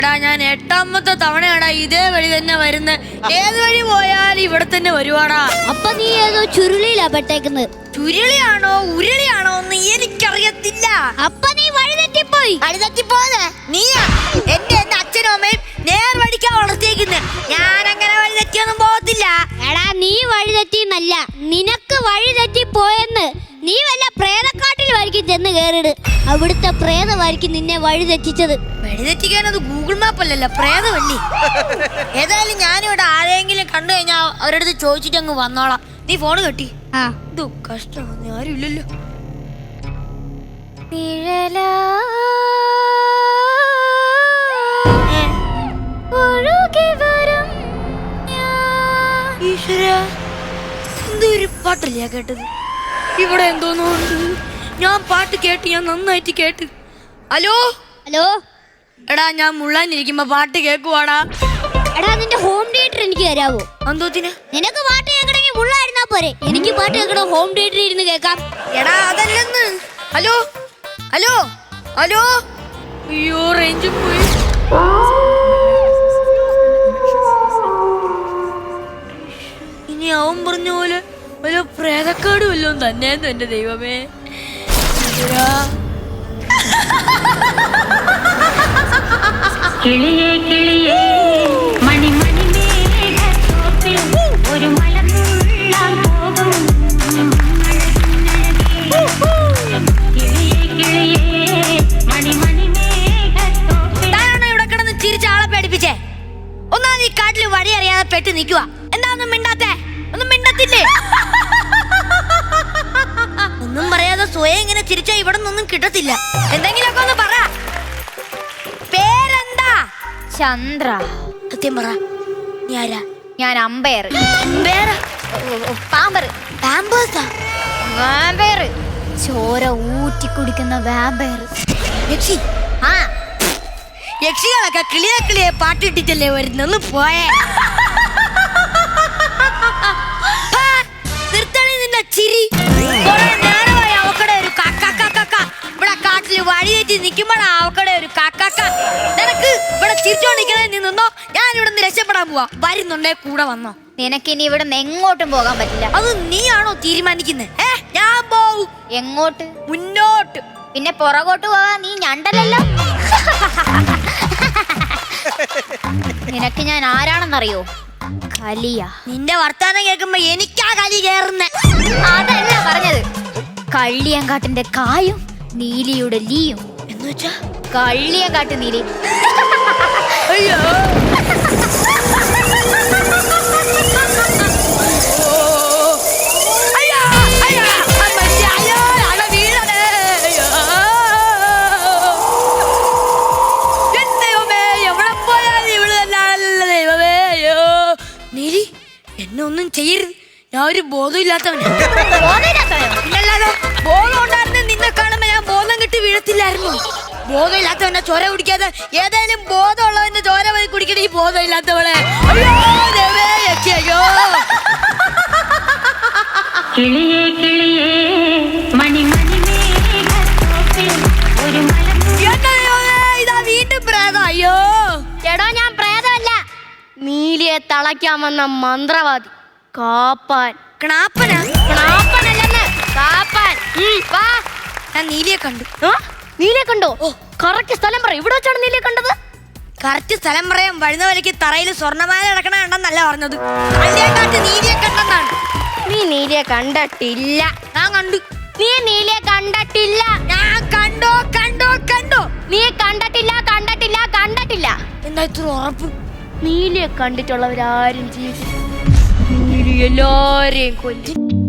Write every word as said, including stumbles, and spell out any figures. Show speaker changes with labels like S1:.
S1: ഞാൻ എട്ടാമത്തെ തവണയാടാ ഇതേ വഴി തന്നെ വരുന്നത്. ഏത് വഴി പോയാലും ഇവിടെ തന്നെ വരുവാടാ.
S2: അപ്പൊ നീ ഏതോ ചുരുളിയിലാ പെട്ടേക്കുന്നത്.
S1: ചുരുളിയാണോ ഉരുളിയാണോ എന്ന് എനിക്കറിയത്തില്ല.
S2: അപ്പൊ നീ വഴി തെറ്റിപ്പോയി.
S1: വഴി തെറ്റിപ്പോന്നെ നീയാ. എന്റെ എന്റെ അച്ഛനും അമ്മയും നേർ വഴിക്കാ വളർത്തിയേക്കുന്നത്. ഞാൻ അങ്ങനെ വഴി തെറ്റിയൊന്നും പോകത്തില്ല.
S2: എടാ നീ വഴി തെറ്റിന്നല്ല, നിനക്ക് വഴി തെറ്റിപ്പോയെന്ന്. നീ വല്ല പ്രേതക്കാട്ടിലുമായിരിക്കും ചെന്ന് കേറിട്. അവിടുത്തെ പ്രേതമായിരിക്കും നിന്നെ വഴി തെറ്റിച്ചത്.
S1: വഴി തെറ്റിക്കാനത് ഗൂഗിൾ മാപ്പ് അല്ലല്ലോ, പ്രേതമല്ലേ. ഏതായാലും ഞാനിവിടെ ആരെങ്കിലും കണ്ടു കഴിഞ്ഞാൽ അവരടുത്ത് ചോദിച്ചിട്ട് അങ്ങ് വന്നോളാം. നീ ഫോണ് കെട്ടി.
S2: ആ
S1: ഇത് കഷ്ടമാണ്, ആരും ഇല്ലല്ലോ. എന്തൊരു പാട്ടല്ലേ കേട്ടത്? ഇവിടെ എന്തോന്നു ഞാൻ പാട്ട് കേട്ട്, ഞാൻ നന്നായിട്ട് കേട്ട്. ഹലോ
S2: ഹലോ
S1: എടാ, ഞാൻ മുള്ളാനിരിക്കുമ്പോ പാട്ട് കേക്കുവാടാ.
S2: എടാ നിന്റെ ഹോം തിയേറ്റർ എനിക്ക് തരാവോ?
S1: എന്തോത്തിന്?
S2: നിനക്ക് പാട്ട് കേൾക്കണമെങ്കിൽ മുള്ളായിരുന്നാ പോരെ. എനിക്ക് പാട്ട് കേൾക്കണോ ഹോം തിയേറ്ററിൽ ഇരുന്ന് കേൾക്കാം.
S1: എടാ അതല്ലെന്ന്. Hello hello hello. അയ്യോ റേഞ്ച് പോയി. ഇനി അവൻ പറഞ്ഞ പോലെ വല്ല പ്രേതക്കാട് വല്ലതും തന്നെയെന്ന് എന്റെ ദൈവമേ.
S3: കിളിയേ കിളിയേ മണി മണി മേഘത്തോപ്പിൽ ഒരു മലമുള്ളാൻ പോകും. കിളിയേ കിളിയേ മണി മണി മേഘത്തോപ്പിൽ.
S1: താനാണോ ഇവിടെ കിടന്ന് ചിരിച്ച ആളെ പേടിപ്പിച്ചേ? ഒന്നാമത് ഈ കാട്ടിൽ വഴി അറിയാതെ പെട്ട് നിൽക്കുക. എന്താ ഒന്നും മിണ്ടാത്തേ? ഒന്നും മിണ്ടത്തില്ലേ? ഒന്നും പറയാതെ സ്വയം ഇങ്ങനെ ചിരിച്ചാ ഇവിടെ നിന്നൊന്നും കിട്ടത്തില്ല. എന്തെങ്കിലുമൊക്കെ ഒന്ന് പറ. പേരെന്താ?
S4: ചന്ദ്ര.
S1: സത്യം പറ, നീ ആരാ?
S4: ഞാൻ അമ്പയർ.
S1: പേര്?
S4: പാമ്പർ.
S1: പാമ്പേഴ്സാ?
S4: വാമ്പയർ. ചോര ഊറ്റി കുടിക്കുന്ന വാമ്പയർ.
S1: യക്ഷി?
S4: ആ
S1: യക്ഷികളൊക്കെ കിളിയെ കിളിയെ പാട്ടിട്ടിട്ടല്ലേ വരുന്നൊന്ന് പോയേ. നിർത്തണി നിന്റെ ചിരി. കുറെ നേരമായി അവക്കടെ ഒരു കാക്കാക്കാക്ക. ഇവിടെ കാട്ടില് വഴി തെറ്റി നിൽക്കുമ്പോഴാ അവക്കടെ ഒരു കാക്കാക്ക. നിനക്ക് ഇവിടെ ചിരിച്ചോണ്ടിരിക്കണേ നീ നിന്നോ. ഞാൻ ഇവിടെ നിന്ന് രക്ഷപ്പെടാൻ പോവാ. വരുന്നുണ്ടേ കൂടെ വന്നോ.
S4: നിനക്കിനി ഇവിടെ നിന്ന് എങ്ങോട്ടും പോകാൻ പറ്റില്ല.
S1: അത് നീയാണോ തീരുമാനിക്കുന്നത്? ഏ ഞാൻ പോവും.
S4: എങ്ങോട്ട്?
S1: മുന്നോട്ട്.
S4: പിന്നെ പുറകോട്ട് പോകാൻ നീ ഞണ്ടല്ലോ. നിനക്ക് ഞാൻ ആരാണെന്നറിയോ? കലിയ.
S1: നിന്റെ വർത്താനം കേൾക്കുമ്പോ എനിക്കാ കലി കേറുന്നേ.
S4: അതല്ല പറഞ്ഞത്. കള്ളിയങ്കാട്ടിന്റെ കായും നീലിയുടെ ലീയും.
S1: എന്ന് വെച്ചാ
S4: കള്ളിയങ്കാട്ട് നീലി.
S1: അയ്യോ എന്നെ ഒന്നും ചെയ്യരുത്. ഞാൻ ഒരു ബോധമില്ലാത്തവനാ. ഇല്ലല്ലോ, ബോധം ഉണ്ടായിരുന്നു. നിന്നെ കാണുമ്പോ ഞാൻ ബോധം കിട്ടി വീഴത്തില്ലായിരുന്നു. ബോധമില്ലാത്തവന്റെ ചോര കുടിക്കാതെ ഏതായാലും ബോധമുള്ളവന്റെ ചോര പോയി കുടിക്കണ ഈ ബോധമില്ലാത്തവളെ. അയ്യോ ദേവേ, അയ്യോ.
S3: കിളിയേ കിളിയേ മണി മണി മേഘത്തോപ്പിൽ ഒരു
S1: ഇതാ വീണ്ടും പ്രേതം. അയ്യോ
S2: എടോ ഞാൻ പ്രേതമല്ല, നീലിയെ തളയ്ക്കാമെന്ന മന്ത്രവാദി കാപ്പാൻ.
S1: ക്ണാപ്പനാ?
S2: ക്ണാപ്പനല്ലെന്ന്, കാപ്പാൻ. വാ.
S1: ഞാൻ നീലിയെ കണ്ടു.
S2: നീലിയെ കണ്ടോ? ഓ കറക്റ്റ് സ്ഥലം പറ. ഇവിടെ വെച്ചാണ് നീലിയെ കണ്ടത്.
S1: കറക്റ്റ് സ്ഥലം പറയാൻ വഴുന്ന വലയ്ക്ക് തറയിൽ സ്വർണ്ണമാല കിടക്കണ കണ്ടെന്നല്ല പറഞ്ഞത്. അതിനെക്കാട്ട് നീലിയെ കണ്ടെന്നാണ്.
S2: നീ നീലിയെ കണ്ടിട്ടില്ല.
S1: ഞാൻ കണ്ടു.
S2: നീ നീലിയെ കണ്ടിട്ടില്ല.
S1: ഞാൻ കണ്ടോ കണ്ടോ കണ്ടോ.
S2: നീ കണ്ടിട്ടില്ല കണ്ടിട്ടില്ല കണ്ടിട്ടില്ല.
S1: എന്താ ഇത്ര ഉറപ്പ്?
S2: നീലിയെ കണ്ടിട്ടുള്ളവരാരും ജീവിക്കും. നീലി എല്ലാരെയും കൊല്ലും.